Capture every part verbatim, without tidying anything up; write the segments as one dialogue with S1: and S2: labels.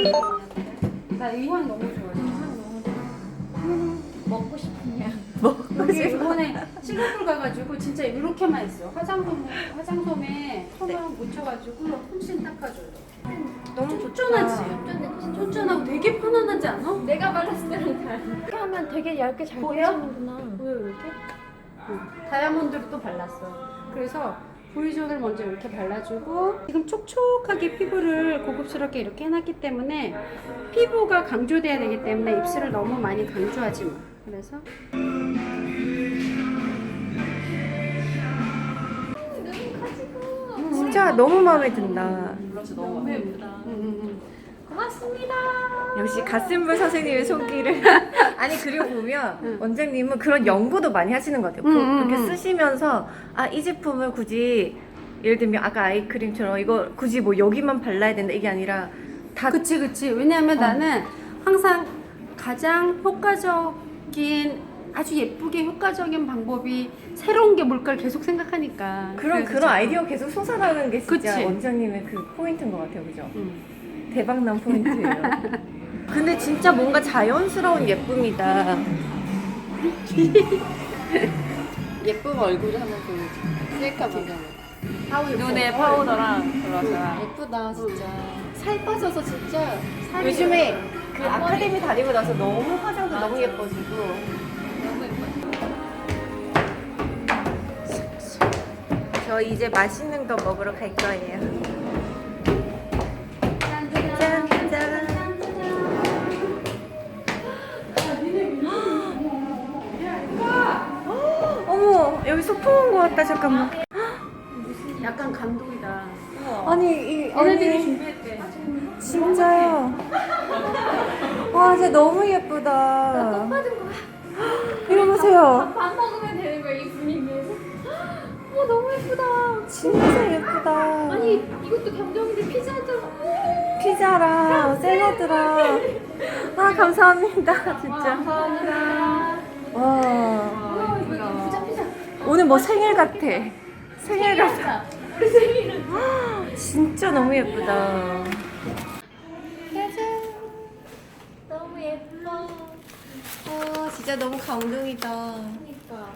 S1: 나 이 향 너무 좋아해. 향 너무 좋아.
S2: 먹고 싶은 향.
S1: 여기 이번에 싱가포르 가가지고 진짜 이렇게만 했어. 화장솜 화장솜에 손을 묻혀가지고 훨씬 닦아줘요.
S2: 너무
S1: 쫀쫀하지? 쫀쫀하고 되게 편안하지 않아?
S2: 내가 발랐을 때랑 달라. 이렇게 하면 되게 얇게 잘
S1: 보여?
S2: 발라지는구나.
S1: 보여 이렇게? 응. 다이아몬드를 또 발랐어. 그래서 V존을 먼저 이렇게 발라주고 지금 촉촉하게 피부를 고급스럽게 이렇게 해놨기 때문에 피부가 강조돼야 되기 때문에 입술을 너무 많이 강조하지 마. 그래서
S2: 진짜 너무 마음에 든다.
S1: 그렇지 너무 예쁘다. 응, 응, 응.
S2: 고맙습니다.
S3: 역시 갓센블 선생님의 손길을 아니 그리고 보면 원장님은 그런 연구도 많이 하시는 것 같아요.
S1: 음,
S3: 보-
S1: 음,
S3: 이렇게
S1: 음.
S3: 쓰시면서 아 이 제품을 굳이 예를 들면 아까 아이크림처럼 이거 굳이 뭐 여기만 발라야 된다 이게 아니라 다
S1: 그치 그치. 왜냐하면 나는 항상 가장 효과적인 아주 예쁘게 효과적인 방법이 새로운 게 뭘까를 계속 생각하니까.
S3: 그런
S1: 그래서
S3: 그런
S1: 자꾸-
S3: 아이디어 계속 솟아나는 게 진짜
S1: 그치.
S3: 원장님의 그 포인트인 것 같아요, 그죠?
S1: 응.
S3: 대박난 포인트예요. 근데 진짜 뭔가 자연스러운 예쁨이다.
S2: 예쁜 얼굴을 한번 보여줘. 셀카 보면.
S3: 눈에 파우더랑 블러셔랑
S2: 예쁘다 진짜. 살 빠져서 진짜. 살이
S3: 요즘에 그 아카데미 다니고 나서 너무 화장도 너무 예뻐지고
S2: 너무 예뻐.
S3: 저 이제 맛있는 거 먹으러 갈 거예요. 짠, 짠. 어머, 여기 소풍 온 거 같다. 잠깐만.
S1: 약간 감동이다.
S3: 아니, 이
S1: 얘네들이
S3: 아니
S1: 준비했대.
S3: 진짜요. 와, 진짜 너무 예쁘다.
S2: 빠진 거야.
S3: 이거 보세요.
S2: 밥 먹으면 되는 거야 이 분위기에서. 어 너무 예쁘다.
S3: 진짜 예쁘다.
S2: 아니 이것도 감정인데 피자잖아.
S3: 피자랑 샐러드랑. 아, 감사합니다. 진짜.
S1: 감사합니다.
S3: 와.
S2: 피자 피자.
S3: 오늘 뭐 생일 같아. 생일 같아.
S2: 우리 생일은.
S3: 진짜 너무 예쁘다.
S2: 너무 예뻐.
S3: 아, 진짜 너무 감동이다.
S2: 그러니까.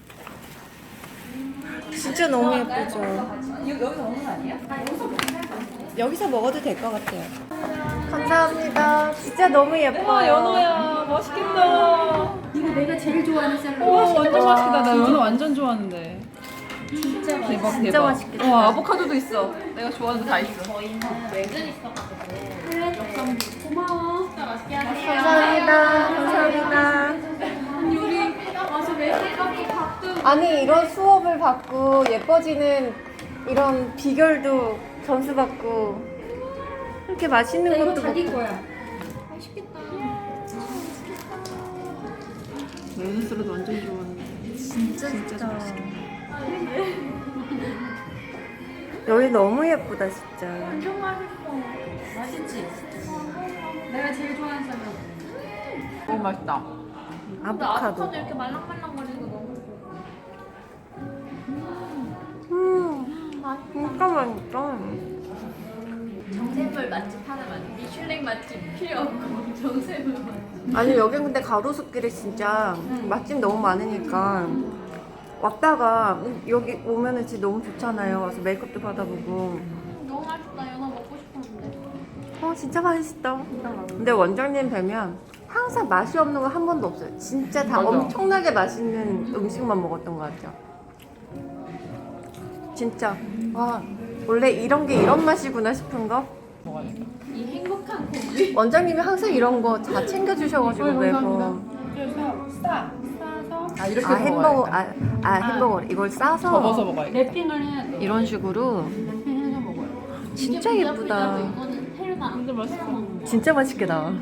S3: 진짜 너무 예쁘죠.
S1: 여기서 먹는 거 아니야?
S3: 여기서 먹어도 될 것 같아요. 감사합니다. 진짜 너무 예뻐요.
S4: 와 연어야 맛있겠다.
S1: 이거 내가 제일 좋아하는 샐러드.
S4: 와 완전 맛있겠다. 나 연어 완전 좋아하는데.
S1: 진짜 맛있어.
S4: 대박
S3: 진짜
S4: 대박.
S3: 맛있겠다.
S4: 와 아보카도도 있어. 내가 좋아하는 거 다 있어.
S2: 저희는 외근 있어가지고.
S1: 고마워.
S2: 진짜 맛있게 하세요.
S3: 감사합니다. 감사합니다.
S2: 우리 와서 외근까지 밥도.
S3: 아니 이런 수업을 받고 예뻐지는 이런 비결도 점수 받고 이렇게 맛있는
S1: 이거
S3: 것도
S1: 자기
S3: 먹고.
S1: 거야.
S2: 맛있겠다.
S4: 연어 샐러드 완전 좋아하는데.
S3: 진짜 진짜 맛있겠다. 여기 너무 예쁘다 진짜.
S2: 완전 맛있어.
S1: 맛있지? 내가 제일 좋아하는 샐러드.
S4: 너무 맛있다.
S2: 근데
S3: 아보카도.
S2: 아보카도 이렇게 말랑말랑거리는 거 너무 좋아.
S3: 음, 진짜 맛있다.
S2: 정샘물 맛집 하나만. 미슐랭 맛집 필요 없고 정샘물 맛집.
S3: 아니 여긴 근데 가로수길에 진짜 맛집 너무 많으니까 왔다가 여기 오면은 진짜 너무 좋잖아요. 와서 메이크업도 받아보고.
S2: 너무 맛있다. 연어 먹고 싶었는데.
S3: 어 진짜 맛있다. 근데 원장님 뵈면 항상 맛이 없는 거 한 번도 없어요. 진짜 다
S4: 맞아. 엄청나게
S3: 엄청나게 맛있는 음식만 먹었던 것 같아요. 진짜 와 원래 이런 게 이런 맛이구나 싶은 거.
S4: 먹어야겠다.
S2: 이 행복한 고기.
S3: 원장님이 항상 이런 거 다 챙겨주셔가지고
S4: 어이,
S3: 매번.
S4: 감사합니다.
S1: 싸. 싸서
S4: 아 이렇게
S3: 아 햄버거
S4: 먹어야겠다.
S3: 아, 아 햄버거 이걸 싸서
S4: 접어서 먹어야겠다.
S1: 랩핑을 해야 돼.
S3: 이런 식으로
S1: 랩핑해서 먹어요.
S3: 진짜
S2: 이게
S3: 예쁘다.
S2: 부자부자고 이거는 헬마.
S4: 완전 맛있어.
S3: 진짜 맛있게 나와.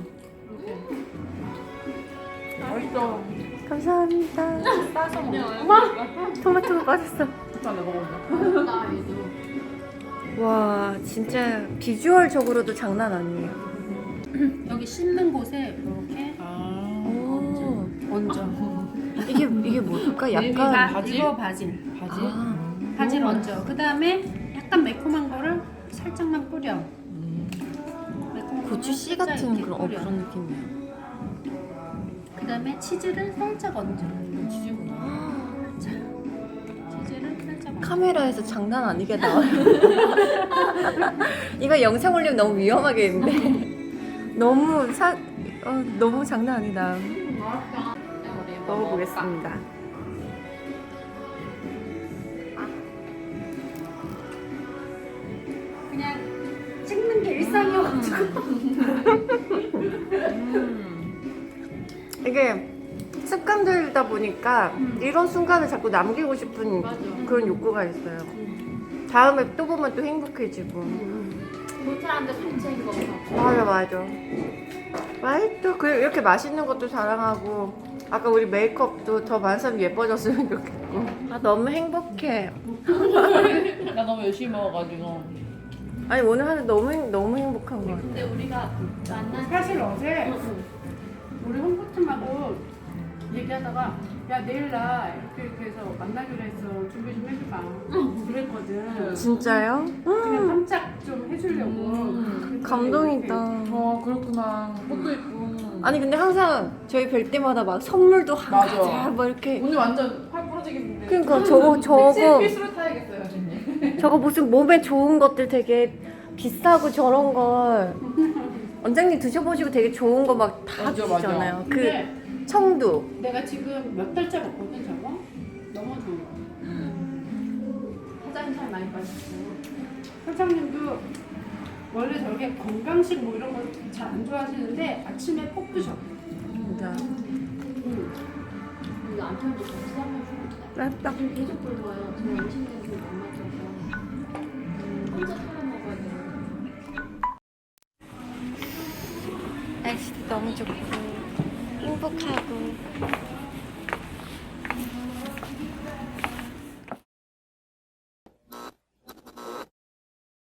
S4: 맛있어.
S3: 감사합니다.
S1: 싸서 먹어.
S3: 토마토가 빠졌어.
S4: 일단 내가 먹어본다.
S2: 나 얘도.
S3: 와 진짜 비주얼적으로도 장난 아니에요.
S1: 여기 씻는 곳에 이렇게
S4: 아.
S3: 오
S1: 얹어.
S3: 이게 이게 뭘까?
S1: 바,
S3: 약간
S4: 바질?
S1: 이거 바질.
S4: 바질?
S3: 아,
S1: 바질 얹어. 그 다음에 약간 매콤한 거를 살짝만 뿌려. 매콤한
S3: 고추 씨 같은 그런 어, 그런 느낌이야.
S1: 그 다음에 치즈를 살짝 얹어.
S4: 치즈구나.
S1: 자, 치즈를 살짝 얹어.
S3: 카메라에서 장난 아니게 나와요. 이거 영상 올리면 너무 위험하겠는데. 너무 사 어, 너무 장난 아니다. 먹어보겠습니다.
S1: 그냥 찍는 게 일상이어가지고.
S3: 이게 습관 들다 보니까 이런 순간을 자꾸 남기고 싶은 그런 욕구가 있어요. 다음에 또 보면 또 행복해지고.
S2: 본 사람들 산책인 거 같고.
S3: 맞아 맞아. 맛있어. 그래 이렇게 맛있는 것도 자랑하고 아까 우리 메이크업도 더 많은 사람이 예뻐졌으면 좋겠고. 아 너무 행복해.
S4: 나 너무 열심히 먹어가지고.
S3: 아니 오늘 하루 너무 행- 너무 행복한 것 같아.
S2: 근데 우리가 만난
S1: 사실 어제 우리 홍보팀하고 얘기하다가 야 내일 나 이렇게 이렇게 해서 만나기로 했어. 준비 좀 해줘봐. 그랬거든.
S3: 진짜요?
S1: 그냥 깜짝 좀 해주려고. 그랬더니
S3: 감동이다.
S4: 어 그렇구나. 꽃도 예쁘고.
S3: 아니 근데 항상 저희 뵐 때마다 막 선물도 한
S4: 맞아.
S3: 가지 뭐 이렇게.
S4: 오늘 완전 팔 부러지겠는데.
S3: 그러니까 저거 저거
S4: 필수로 타야겠어요, 선생님.
S3: 저거 무슨 몸에 좋은 것들 되게 비싸고 저런 걸 원장님 드셔보시고 되게 좋은 거 막 다
S4: 맞아, 맞아.
S3: 주잖아요. 그
S1: 근데
S3: 청두.
S1: 내가 지금 몇 달째 먹거든 저거. 너무 좋은 거. 사장님 살 많이 빠졌어. 사장님도 원래 저게 건강식 뭐 이런 거 잘 안 좋아하시는데 아침에 꼭 드셔.
S3: 진짜.
S1: 음.
S2: 우리 남편도 같이 한번
S3: 맛있다.
S2: 계속 굶어요. 저 음식은 좀 안 맞아서 혼자 살아 먹어야 돼요.
S3: 날씨도 너무 좋고 행복하고